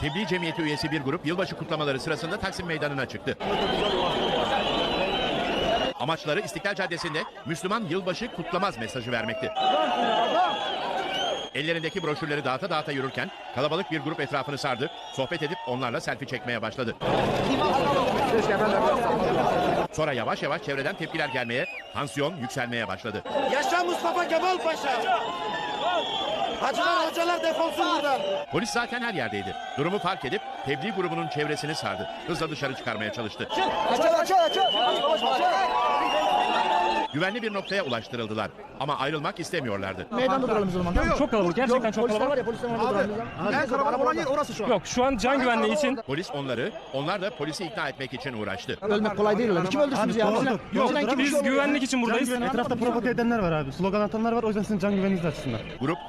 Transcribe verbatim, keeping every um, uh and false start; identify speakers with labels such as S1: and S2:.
S1: Tebliğ Cemiyeti üyesi bir grup yılbaşı kutlamaları sırasında Taksim Meydanı'na çıktı. Amaçları İstiklal Caddesi'nde Müslüman yılbaşı kutlamaz mesajı vermekti. Ellerindeki broşürleri dağıta dağıta yürürken kalabalık bir grup etrafını sardı, sohbet edip onlarla selfie çekmeye başladı. Sonra yavaş yavaş çevreden tepkiler gelmeye, tansiyon yükselmeye başladı.
S2: Yaşa Mustafa Kemal Paşa! Hacılar hocalar defolsun buradan.
S1: Polis zaten her yerdeydi. Durumu fark edip tebliğ grubunun çevresini sardı. Hızla dışarı çıkarmaya çalıştı. Güvenli bir noktaya ulaştırıldılar. Ama ayrılmak istemiyorlardı.
S3: Meydanda duralım biz o zaman.
S4: Çok kalabalık, gerçekten çok
S3: Polisler var
S4: kalabalık.
S3: ya, polisler orada duralım.
S2: En kalabalık olan yer orası şu an.
S4: Yok, şu an can güvenliği için.
S1: Polis onları, onlar da polisi ikna etmek için uğraştı.
S3: Ölmek kolay değil öyle. Kim öldürsün bizi ya?
S4: Yok,
S3: İçinden kim
S4: biz
S3: kişi olur
S4: güvenlik
S3: ya?
S4: için buradayız.
S5: Etrafta provoke edenler var abi. Slogan atanlar var. O yüzden sizin can güveniniz açısından.
S1: Grup